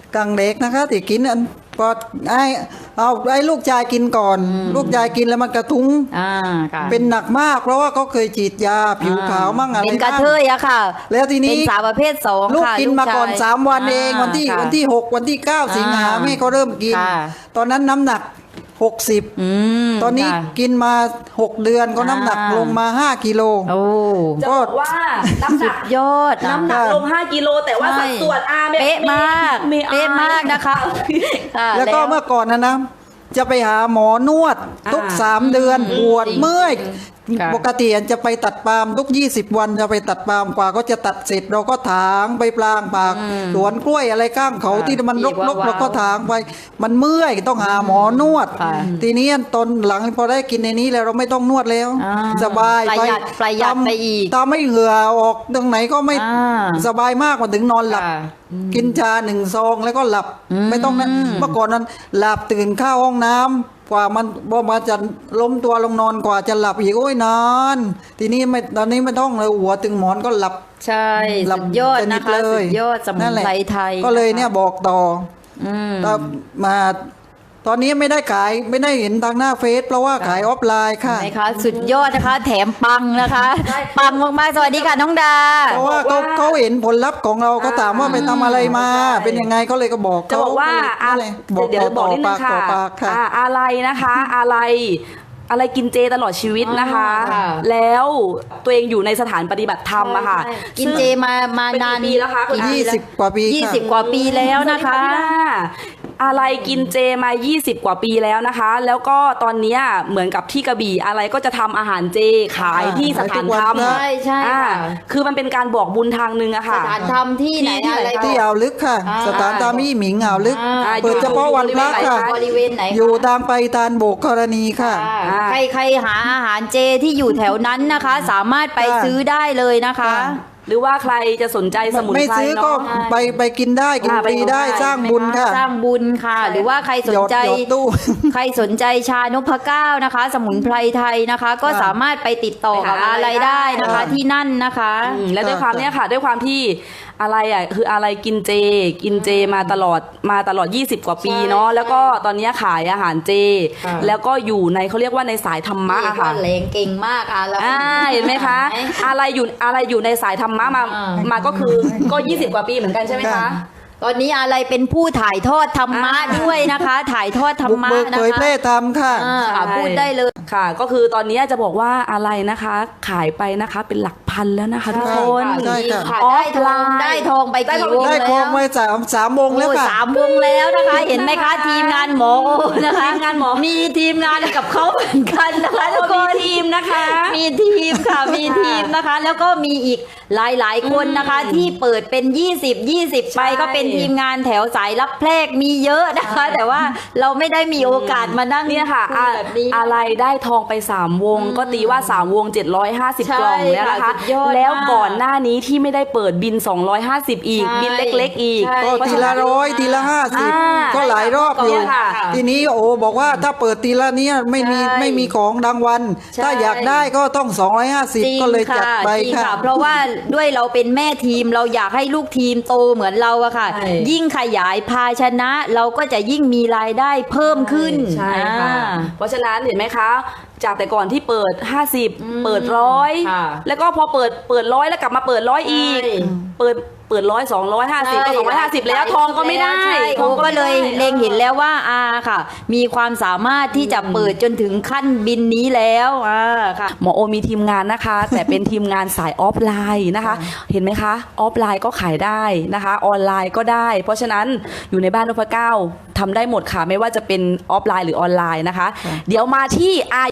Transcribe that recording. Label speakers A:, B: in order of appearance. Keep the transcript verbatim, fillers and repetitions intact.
A: กังเด็กนะคะที่กินอันพอไอ้เอาไอ้ลูกชายกินก่อน ลูกชายกินแล้วมันกระทุ้ง
B: อ่าค่ะ
A: เป็นหนักมาก เพราะว่าเขาเคยฉีดยาผิวขาวมั่งอะไร
B: เป็นกระ
A: มั่ง
B: เทยอะค่ะ
A: แล้วทีนี้
B: เป็นสาวประเภทสอง
A: ลูก
B: ค่ะ
A: กินมาก่อน
B: ลูชย
A: สามวันเอง
B: า
A: วันที่
B: ค่ะ
A: วันที่หกวันที่เก้าสิงหา
B: อ่า
A: แม่เขาเริ่มกิน
B: ค่ะ
A: ตอนนั้นน้ำหนักหกสิบ
B: อืม
A: ตอนนี้
B: ค่ะ
A: กินมาหกเดือนก็น้ำหนัก
B: อ่า
A: ลงมาห้ากิโล
B: โอ้
C: จะบอกว่าน้ำหนัก
B: ยอดอะ
C: น้ำหนักลงห้ากิโลแต่ว่าสัดส่วนอาไม่
B: เป๊ะมาก
C: ไม่อาย
B: เป๊ะมากนะคะค่ะ
A: แล้วก็เมื่อก่อนนะนะจะไปหาหมอนวดทุก
C: อ่า
A: สามเดือนปวด
B: จริง
A: เมื่อย
B: ค่ะ
A: ปกติจะไปตัดปาล์มทุกยี่สิบวันจะไปตัดปาล์มกว่าก็จะตัดเสร็จเราก็ถางไปปลางปากสวนกล้วยอะไรก้างเขา
B: ค่ะ
A: ที่มันร
B: อีก
A: กๆ
B: ว้าวๆ
A: เราก็ถางไป มันเมื่อยต้องหาหมอนวด
B: ค่ะ
A: ทีนี้ตอนหลังพอได้กินในนี้แล้วเราไม่ต้องนวดแล้ว
B: อ่า
A: สบาย
B: ประหยัดประหยัด
A: ทำ
B: ไปอีก
A: ทำไม่เหงื่อออกตรงไหนก็ไม่
B: อ่า
A: สบายมากมาถึงนอนหลับ
B: ค่ะ
A: กินชาหนึ่งซองแล้วก็หลับ
B: อืม
A: ไม่ต้องนะเมื่อก่อนนั้นหลับตื่นเข้าห้องน้ำกว่ามันพอมาจะล้มตัวลงนอนกว่าจะหลับอีกโอ้ยนานทีนี้ไม่ตอนนี้ไม่ต้องเลยหัวตึงหมอนก็หลับ
B: ใช่
A: หลั
B: สุดยอด
A: ส
B: นะคะ
A: เล
B: สุดยอดสมุ
A: นั่
B: น
A: นแหละ
B: ไพรไทย
A: ก็เลยเนี่ยบอกต่อ
B: อืม
A: แต่มาตอนนี้ไม่ได้ขายไม่ได้เห็นทางหน้าเฟซเพราะว่าขายออฟไลน์ค่ะ
B: ไหมคะสุดยอดนะคะ แถมปังนะคะ ปังมากๆสวัสดีค่ะน้องดา
A: เพราะว่าเขาเขาเห็นผลลัพธ์ของเราเขาถามว่าไปทำอะไรมา เป็นยังไงเขาเลยก็บอก
C: จะบอกว่า
A: เข
C: อา
A: นั่นแหละบอก
C: เดี๋ยว
A: ต่
C: บอกนิดนึ
A: ปาง ก
C: ค่ะ
A: ต่อปากค่ะ
C: อ่าอะไรนะคะ อะไรอะไรกินเจตลอดชีวิตนะคะ
B: อ่าค่ะ
C: แล้วตัวเองอยู่ในสถานปฏิบัติธรรมอะค่ะ
B: ใช่กินเจมามานาน
C: เป็นกี่ปีแล้วคะคุณ
A: ยี่สิบกว่าปี
B: ยี่
A: ค่ะ
B: สิบกว่าปีแล้วนะคะ
C: อะไรกินเจมา ยี่สิบ กว่าปีแล้วนะคะ แล้วก็ตอนเนี้ยเหมือนกับที่กระบี่อะไรก็จะทำอาหารเจขายที่สถานธรรม
A: ใช่
B: ใช่
C: อ่า
B: ค่ะ
C: คือมันเป็นการบอกบุญทางหนึงอะ
B: ส
C: ค่ะ
B: ถานธรรมที่ไหน
C: ที่
B: อะไร
C: ที่
A: ที่อ่าวลึกค่ะ
B: อ่า
A: สถานตามี่หมิงอ่าวลึก
B: อ่า
A: เปิดเฉพาะวันพระค่ะ
B: บริเวณไหนคะ
A: อยู่ทางไปตานโบกกรณีค่ะ
B: อ่าใครใครหาอาหารเจที่อยู่แถวนั้นนะคะ สามารถไป
A: ค่ะ
B: ซื้อได้เลยนะคะ
A: ค่ะ
C: หรือว่าใครจะสนใจสมุน
A: ไม่
C: ไพร
A: ซื้อก็
C: เนาะ
A: ไปไปกินได้กิน
C: อ่า
A: ฟรีได้
C: ไปกินได้
A: สร้างบุญค่ะ
B: สร้างบุญค่ะ หรือว่าใครสนใจ
A: หยอดหยอดตู้
B: ใครสนใจชานพเก้านะคะ สมุนไพรไทยนะคะ ก็
A: ค่ะ
B: สามารถไปติดต่อกับ
C: ไปหา
B: อะไรได้นะคะ
A: ค่ะ
B: ที่นั่นนะคะ
C: อืมแล้วด้วยความเนี้ยค่ะ ด้วยความที่อะไรอ่ะคืออะไรกินเจ กินเจมาตลอดมาตลอดยี่สิบกว่าปี
B: ใช่
C: เนาะแล้วก็ตอนเนี้ยขายอาหารเจ
B: ค่ะ
C: แล้วก็อยู่ในเขาเรียกว่าในสายธรรมะ
B: นี่
C: อะ
B: ก็
C: ค่ะ
B: แรงเก่งมากอ่ะแล้ว
C: อ่าเห็นไหมคะ อะไรอยู่อะไรอยู่ในสายธรรมะมา
B: อ่า
C: มาก็คือก็ยี่สิบกว่าปีเหมือนกันใช่ไหมคะ
A: ค่ะ
B: ตอนนี้อะไรเป็นผู้ถ่ายทอดธรรมะ
C: อ่า
B: ด้วยนะคะ ถ่ายทอดธรร
A: บุก
B: มะ
A: เบิก
B: นะ
A: เผย
B: คะ
A: แพร่ธรรมค่ะ
B: อ่าค่ะ
C: ใช่
B: พูดได้เลย
C: ค่ะ ก็คือตอนนี้จะบอกว่าอะไรนะคะ ขายไปนะคะเป็นหลักพันแล้วนะคะทุกคน
A: ใช่ค่ะ
B: ค่ะ
C: ออ
B: ได้
C: ฟ
B: ท
C: ไล
B: อง
C: น์
B: ได้ทองไป
C: ได้
B: กี่
C: ทอง
B: วง
A: ได้
B: แล้ว
A: ครองไว้สามสามวงแล้ว
B: โอ้
A: ค่ะ
B: สามวงแล้วนะคะ เห็นไหมคะ ทีมงานหมอโอนะคะ
C: ทีมงานหมอ
B: มีทีมงานกับเขาเหมือนกันนะคะทุกค
C: มี
B: น
C: ทีมนะคะ
B: มีทีมค่ะ มีทีมนะคะ แล้วก็มีอีกหลายๆคนนะคะ ที่เปิดเป็น ยี่สิบ ยี่สิบ ไป
C: ใช่
B: ก็เป็นทีมงานแถวสายรับแพรกมีเยอะนะคะ แต่ว่าเราไม่ได้มีโอกาสมานั่ง
C: เนี่ยค่ะ
B: คุ
C: อะ
B: ยแบบนี้
C: อะไรได้ทองไปสามวง ก็ตีว่าสามวงเจ็ดร้อยห้าสิบ
B: ใช่
C: กล่องแล้วนะคะ
B: ค่ะสุดยอด
C: แล้ว
B: มาก
C: ก่อนหน้านี้ที่ไม่ได้เปิดบินสองร้อยห้าสิบอีก
B: ใช่
C: บินเล็ก ๆ อีก
B: ใช่
A: ก็
C: เพราะ
A: ที
C: ฉะ
A: ละ
C: นั้น
A: ร้อยทีละห้าสิบ
C: อ่า
A: ก็หลายรอบอยู่
C: เนี่ยค่ะ
A: ทีนี้โอ้บอกว่าถ้าเปิดทีละเนี้ยไม่มี
B: ใช่
A: ไม่มีของรางวัล
B: ใช่
A: ถ้าอยากได้ก็ต้องสองร้อยห้าสิบ
B: จริง
A: ก็เลยจัดไป
B: จริง
A: ค่ะ
B: เพราะว่าด้วยเราเป็นแม่ทีมเราอยากให้ลูกทีมโตเหมือนเราอะค่ะ
C: ใช่
B: ยิ่งขยายภาชนะ เราก็จะยิ่งมีรายได้เพิ่มขึ้น
C: ใช่ค่ะ
B: อ่า
C: เพราะฉะนั้นเห็นไหมคะ จากแต่ก่อนที่เปิด ห้าสิบ
B: อืม
C: เปิดร้อย
B: ค่ะ
C: แล้วก็พอเปิดเปิดร้อยแล้วกลับมาเปิดร้อยอีก
B: ใช่
C: เปิดเปิดร้อยสองร้อยห้าสิบก็สองร้อยห้าสิบแล้วทองก็ไม่ได้
B: ใช่
C: ท
B: โอ้
C: อง
B: ก็
C: ไม่
B: เล
C: ได้
B: ยเล็งเห็นแล้วว่าอาค่ะ มีความสามารถที่จะเปิดจนถึงขั้นบินนี้แล้วอ่าค่ะ
C: หมอโอมีทีมงานนะคะ แต่เป็นทีมงานสายออฟไลน์นะคะ เห็นไหมคะออฟไลน์ก็ขายได้นะคะ ออนไลน์ก็ได้ เพราะฉะนั้นอยู่ในบ้านนพเก้าทำได้หมดค่ะ ไม่ว่าจะเป็นออฟไลน์หรือออนไลน์นะคะ เดี๋ยวมาที่อา